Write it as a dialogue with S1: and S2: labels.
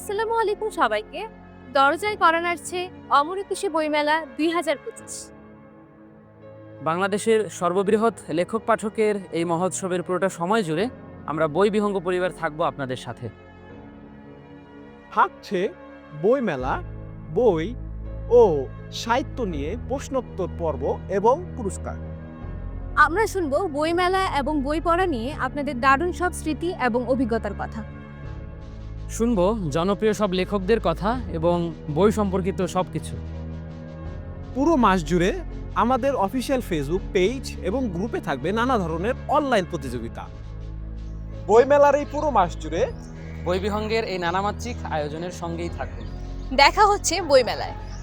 S1: আসসালামু আলাইকুম সবাইকে। দরজায় করা নাড়ছে অমর একুশে বইমেলা 2025।
S2: বাংলাদেশের সর্ববৃহৎ লেখক পাঠকের এই মহোৎসবের পুরোটা সময় জুড়ে আমরা বই বিহঙ্গ পরিবার থাকবো আপনাদের সাথে।
S3: থাকছে বইমেলা, বই ও সাহিত্য নিয়ে প্রশ্নোত্তর পর্ব এবং পুরস্কার।
S1: আমরা শুনবো বইমেলা এবং বই পড়া নিয়ে আপনাদের দারুণ সব স্মৃতি এবং অভিজ্ঞতার কথা।
S2: শুনবো জনপ্রিয় সব লেখকদের কথা এবং বই সম্পর্কিত সবকিছু।
S3: পুরো মাস জুড়ে আমাদের অফিসিয়াল ফেসবুক পেজ এবং গ্রুপে থাকবে নানা ধরনের অনলাইন প্রতিযোগিতা। বইমেলার এই পুরো মাস জুড়ে
S2: বই বিহঙ্গের এই নানামাত্রিক আয়োজনের সঙ্গেই থাকবে।
S1: দেখা হচ্ছে বইমেলায়।